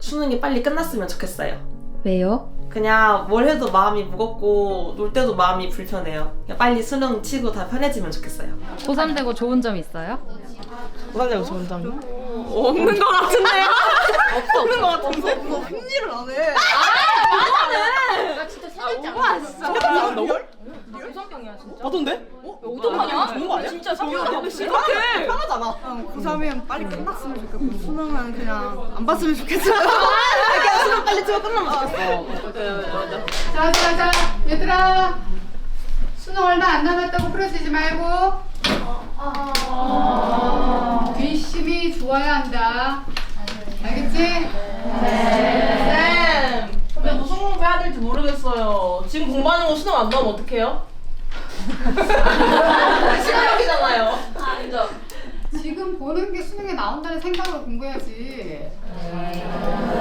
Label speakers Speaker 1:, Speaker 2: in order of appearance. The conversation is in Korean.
Speaker 1: 수능이 빨리 끝났으면 좋겠어요.
Speaker 2: 왜요?
Speaker 1: 그냥 뭘 해도 마음이 무겁고 놀 때도 마음이 불편해요. 그냥 빨리 수능 치고 다 편해지면 좋겠어요.
Speaker 2: 고3 되고 좋은 점 있어요?
Speaker 1: 고산되고 좋은 점이요? 없는 것 같은데요? 없는 것 같은데?
Speaker 3: 흥미를 안 해.
Speaker 4: 맞던데?
Speaker 3: 오동하냐?
Speaker 4: 좋은 거 아니야?
Speaker 3: 진짜
Speaker 4: 이렇게
Speaker 3: 편하잖아. 고3이면 빨리 끝났으면 좋겠고 수능은 그냥 안 봤으면 좋겠어.
Speaker 1: 그냥 수능 빨리 치고 끝나면 좋겠어.
Speaker 5: 자, 얘들아. 수능 얼마 안 남았다고 풀어지지 말고. 뒷심이 좋아야 한다. 알겠지?
Speaker 6: 쌤! 근데 무슨 공부해야 될지 모르겠어요. 지금 공부하는 거 수능 안 나오면 어떡해요? 시간이잖아요.
Speaker 5: 지금 보는 게 수능에 나온다는 생각으로 공부해야지.